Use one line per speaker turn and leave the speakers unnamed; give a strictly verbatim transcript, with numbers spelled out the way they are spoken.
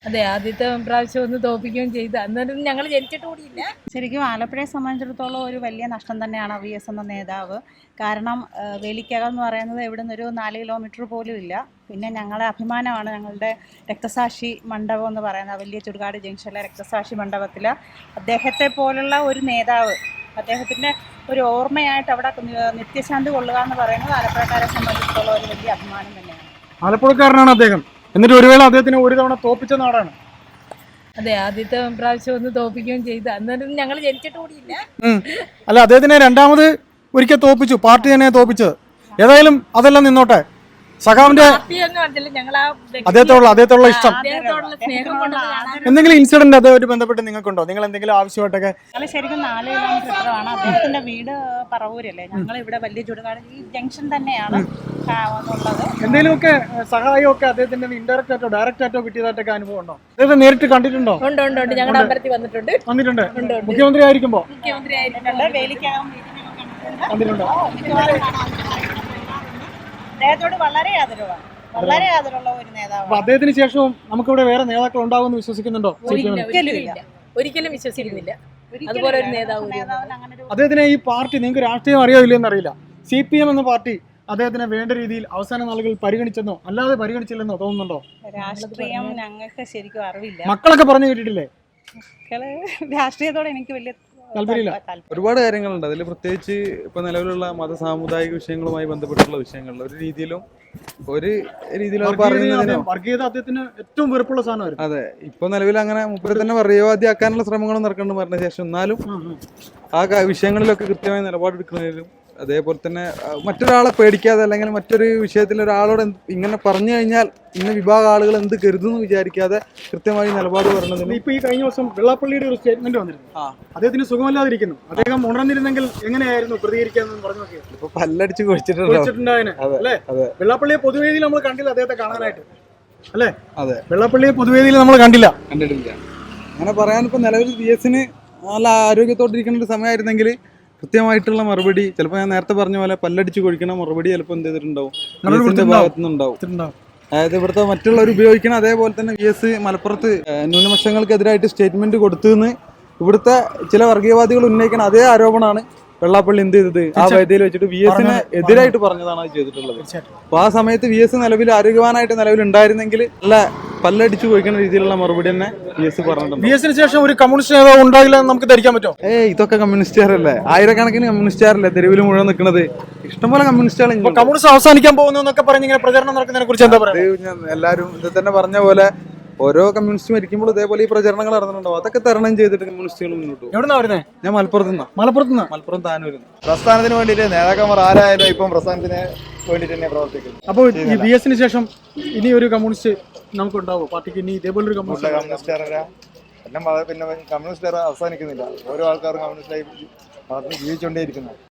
അതെ, ആദ്യത്തെ പ്രാവശ്യം ഒന്ന് തോൽപ്പിക്കുകയും ചെയ്തു. അന്നേരം ഞങ്ങൾ ജനിച്ചിട്ട് കൂടിയില്ല.
ശരിക്കും ആലപ്പുഴയെ സംബന്ധിച്ചിടത്തോളം ഒരു വലിയ നഷ്ടം തന്നെയാണ് വി എസ് എന്ന നേതാവ്. കാരണം ഏഹ്, വേലിക്കകം എന്ന് പറയുന്നത് ഇവിടെ നിന്നൊരു നാല് കിലോമീറ്റർ പോലും ഇല്ല. പിന്നെ ഞങ്ങളെ അഭിമാനമാണ് ഞങ്ങളുടെ രക്തസാക്ഷി മണ്ഡപം എന്ന് പറയുന്നത്. വലിയ ചുടുകാട് ജംഗ്ഷനിലെ രക്തസാക്ഷി മണ്ഡപത്തിൽ അദ്ദേഹത്തെ പോലുള്ള ഒരു നേതാവ്, അദ്ദേഹത്തിൻ്റെ ഒരു ഓർമ്മയായിട്ട് അവിടെ നി- നിത്യശാന്തി കൊള്ളുക എന്ന് പറയുന്നത് ആലപ്പുഴക്കാരെ സംബന്ധിച്ചിടത്തോളം ഒരു വലിയ അഭിമാനം തന്നെയാണ്.
ആലപ്പുഴക്കാരനാണ് അദ്ദേഹം. എന്നിട്ട് ഒരു വേള അദ്ദേഹത്തിന് ഒരു തവണ തോപ്പിച്ച നാടാണ്.
അതെ, ആദ്യത്തെ പ്രാവശ്യം ഒന്ന് തോൽപ്പിക്കുകയും ചെയ്തു. അന്നേരം ഞങ്ങൾ ജനിച്ചിട്ട് കൂടിയില്ല.
ഉം. അല്ല, അദ്ദേഹത്തിനെ രണ്ടാമത് ഒരിക്കൽ തോപ്പിച്ചു, പാർട്ടി തന്നെ തോപ്പിച്ചത്. ഏതായാലും അതെല്ലാം നിന്നോട്ടെ. സഖാവിന്റെ
പാർട്ടിയൊന്നും അറിഞ്ഞില്ല, ഞങ്ങൾ ആ വ്യക്തിയെ-
അദ്ദേഹത്തോടുള്ള അദ്ദേഹത്തോടുള്ള ഇഷ്ടം,
അദ്ദേഹത്തോടുള്ള സ്നേഹം കൊണ്ട് കാണാൻ.
എന്തെങ്കിലും ഇൻസിഡന്റ് അതുമായിട്ട് ബന്ധപ്പെട്ട് നിങ്ങൾക്കുണ്ടോ? നിങ്ങൾ എന്തെങ്കിലും ആവശ്യമായിട്ടൊക്കെ?
ഞങ്ങൾ ശരിക്കും നാല് കിലോമീറ്റർ ഇത്രയാണ്. അദ്ദേഹത്തിന്റെ വീട് പറവൂരല്ലേ. ഞങ്ങൾ ഇവിടെ വലിയ ചുടുകാട് ഈ ജംഗ്ഷൻ തന്നെയാണ് ആ, ഉള്ളത്.
എന്തെങ്കിലുമൊക്കെ സഹായമൊക്കെ അദ്ദേഹത്തിന്റെ ഇൻഡയറക്റ്റ് ആയിട്ടോ ഡയറക്റ്റ് ആയിട്ടോ കിട്ടിയതായിട്ടൊക്കെ അനുഭവം ഉണ്ടോ? അദ്ദേഹത്തെ നേരിട്ട് കണ്ടിട്ടുണ്ടോ?
ഉണ്ട് ഉണ്ട് ഉണ്ട് ഞങ്ങളുടെ അമ്പലത്തിൽ വന്നിട്ടുണ്ട്.
വന്നിട്ടുണ്ട്. മുഖ്യമന്ത്രി ആയിരിക്കുമ്പോ
മുഖ്യമന്ത്രി ആയിരുന്നു.
ഞങ്ങളുടെ വേലിക്കകം മീറ്റിംഗൊക്കെ കണ്ടിട്ടുണ്ട്.
വന്നിട്ടുണ്ടോ?
മിക്കവാറും കാണാൻ അദ്ദേഹത്തോട് വളരെ ആദരവാണ്, വളരെ ആദരവുള്ള ഒരു
അപ്പൊ
നേതാവാണ്.
അദ്ദേഹത്തിന് ശേഷവും നമുക്കിവിടെ വേറെ നേതാക്കൾ ഉണ്ടാവുമെന്ന് വിശ്വസിക്കുന്നുണ്ടോ?
ഒരിക്കലും
ഒരിക്കലും
ഇല്ല. ഒരിക്കലും വിശ്വസിക്കുന്നില്ല.
ഒരിക്കലും
അതുപോലെ ഒരു
ഇല്ല.
നേതാവ്
നേതാവിന് അങ്ങനെ ഒരു
അദ്ദേഹത്തിന് ഈ പാർട്ടി നിങ്ങൾക്ക് രാഷ്ട്രീയം അറിയോ ഇല്ലയോ എന്നറിയില്ല. സി പി എം എന്ന പാർട്ടി അദ്ദേഹത്തിനെ വേണ്ട രീതിയിൽ അവസാന നാളുകളിൽ പരിഗണിച്ചെന്നോ അല്ലാതെ പരിഗണിച്ചില്ലെന്നോ തോന്നുന്നുണ്ടോ?
രാഷ്ട്രീയം ഞങ്ങൾക്ക് ശരിക്കും അറിവില്ല.
മക്കളൊക്കെ പറഞ്ഞു കേട്ടിട്ടില്ലേ?
മക്കള് രാഷ്ട്രീയത്തോടെ എനിക്ക് വലിയ
താല്പര്യമില്ല.
താല്പര്യം.
ഒരുപാട് കാര്യങ്ങളുണ്ട് അതിൽ. പ്രത്യേകിച്ച് ഇപ്പോൾ നിലവിലുള്ള മത സാമുദായിക വിഷയങ്ങളുമായി ബന്ധപ്പെട്ടുള്ള വിഷയങ്ങളിൽ ഒരു രീതിയിലും ഒരു രീതിയിലും അത് പറയുന്നതിനോ
വർഗീയത അദ്ദേഹത്തിന് ഏറ്റവും വെറുപ്പുള്ള സാധനമായിരുന്നു.
അതെ, ഇപ്പൊ നിലവിൽ അങ്ങനെ മുപ്പരെ തന്നെ വർഗീയവാദിയാക്കാനുള്ള ശ്രമങ്ങളും നടക്കേണ്ടി പറഞ്ഞ ശേഷം എന്നാലും ആ ക- വിഷയങ്ങളിലൊക്കെ കൃത്യമായ നിലപാടെടുക്കുന്നതിലും അതേപോലെ തന്നെ ആ, മറ്റൊരാളെ പേടിക്കാതെ അല്ലെങ്കിൽ മറ്റൊരു വിഷയത്തിൽ ഒരാളോട് എന്ത് ഇങ്ങനെ പറഞ്ഞു കഴിഞ്ഞാൽ ഇന്ന വിഭാഗം ആളുകൾ എന്ത് കരുതുന്നു വിചാരിക്കാതെ കൃത്യമായി നിലപാട് പറയുന്നതിനും
ഇപ്പൊ ഈ കഴിഞ്ഞ ദിവസം വെള്ളാപ്പള്ളിയുടെ ഒരു സ്റ്റേറ്റ്മെന്റ് വന്നിരുന്നു.
ആ.
അദ്ദേഹത്തിന് സുഖമല്ലാതിരിക്കുന്നു. അദ്ദേഹം ഉണർന്നിരുന്നെങ്കിൽ എങ്ങനെയായിരുന്നു പ്രതികരിക്കാന്ന് പറഞ്ഞു നോക്കിയത്.
ഇപ്പൊ പല്ലടിച്ച് കുഴിച്ചിട്ടുണ്ടോ?
വിളിച്ചിട്ടുണ്ടായതിന്
അതെ,
അല്ലേ?
അതെ.
വെള്ളാപ്പള്ളിയെ പൊതുവേദിയിൽ നമ്മൾ കണ്ടില്ല അദ്ദേഹത്തെ കാണാനായിട്ട്, അല്ലേ?
അതെ,
വെള്ളാപ്പള്ളിയെ പൊതുവേദിയിൽ നമ്മൾ കണ്ടില്ല.
കണ്ടിട്ടില്ല. അങ്ങനെ പറയാൻ ഇപ്പൊ നിലവിൽ വി എസിന് നല്ല ആരോഗ്യത്തോട്ടിരിക്കുന്ന ഒരു സമയമായിരുന്നെങ്കിൽ കൃത്യമായിട്ടുള്ള മറുപടി, ചിലപ്പോൾ ഞാൻ നേരത്തെ പറഞ്ഞ പോലെ പല്ലടിച്ച് കൊഴിക്കണ മറുപടി ചിലപ്പോൾ എന്ത് ചെയ്തിട്ടുണ്ടാവും, വി എസിന്റെ ഭാഗത്തു നിന്നുണ്ടാവും. അതായത് ഇവിടുത്തെ മറ്റുള്ളവർ ഉപയോഗിക്കണം. അതേപോലെ തന്നെ വി എസ് മലപ്പുറത്ത് ഏഹ്, ന്യൂനപക്ഷങ്ങൾക്കെതിരായിട്ട് സ്റ്റേറ്റ്മെന്റ് കൊടുത്തുവെന്ന് ഇവിടുത്തെ ചില വർഗീയവാദികൾ ഉന്നയിക്കുന്ന അതേ ആരോപണമാണ് വെള്ളാപ്പള്ളി എന്ത് ചെയ്തത് ആ വേദിയിൽ വെച്ചിട്ട് വി എസിന് എതിരായിട്ട് പറഞ്ഞതാണ് അത് ചെയ്തിട്ടുള്ളത്. അപ്പൊ ആ സമയത്ത് വി എസ് നിലവിൽ ആരോഗ്യവാനായിട്ട് നിലവിൽ ഉണ്ടായിരുന്നെങ്കിൽ നല്ല പല്ലടിച്ചു പോയിക്കുന്ന രീതിയിലുള്ള മറുപടി തന്നെ വി എസ് പറഞ്ഞിട്ടുണ്ട്.
വി എസിന് ശേഷം ഒരു കമ്മ്യൂണിസ്റ്റ് നേതാവ് ഉണ്ടാകില്ല എന്ന് നമുക്ക് ധരിക്കാൻ പറ്റുമോ?
ഏയ് ഇതൊക്കെ കമ്മ്യൂണിസ്റ്റുകാരല്ലേ, ആയിരക്കണക്കിന് കമ്മ്യൂണിസ്റ്റുകാരല്ലേ തെരുവിൽ മുഴുവൻ നിൽക്കുന്നത്. ഇഷ്ടംപോലെ കമ്മ്യൂണിസ്റ്റുകൾ
ഇപ്പൊ കമ്മ്യൂണിസ്റ്റ് അവസാനിക്കാൻ പോകുന്നു എന്നൊക്കെ പറഞ്ഞ് ഇങ്ങനെ പ്രചരണം നടക്കുന്നതിനെ കുറിച്ച് എന്താ പറയുക?
എല്ലാവരും ഇത് തന്നെ പറഞ്ഞ പോലെ ഓരോ കമ്മ്യൂണിസ്റ്റ് മരിക്കുമ്പോൾ ഇതേപോലെ ഈ പ്രചരണങ്ങൾ നടന്നിട്ടുണ്ടാവും. അതൊക്കെ തരണം ചെയ്തിട്ട് കമ്മ്യൂണിസ്റ്റുകൾ മുന്നോട്ട് പോകും.
എവിടുന്നാ വരുന്നത്?
ഞാൻ മലപ്പുറത്ത് നിന്നാ.
മലപ്പുറത്ത് നിന്ന്.
മലപ്പുറം താനൂരിൽ.
പ്രസ്ഥാനത്തിന് വേണ്ടിയിട്ട് നേതാക്കന്മാർ ആരായാലും ഇപ്പം പ്രസ്ഥാനത്തിന് വേണ്ടിയിട്ട് തന്നെ പ്രവർത്തിക്കുന്നു.
അപ്പോൾ ഈ ബി എസിന് ശേഷം ഇനി ഒരു കമ്മ്യൂണിസ്റ്റ് നമുക്ക് ഉണ്ടാവും പാർട്ടിക്ക്? ഇനി ഇതേപോലൊരു
കൂടുതൽ
കമ്മ്യൂണിസ്റ്റ്
കമ്മ്യൂണിസ്റ്റുകാരെ എല്ലാം വളരെ പിന്നെ കമ്മ്യൂണിസ്റ്റുകാർ അവസാനിക്കുന്നില്ല. ഓരോ ആൾക്കാരും കമ്മ്യൂണിസ്റ്റായി ജീവിച്ചുകൊണ്ടേയിരിക്കുന്നു.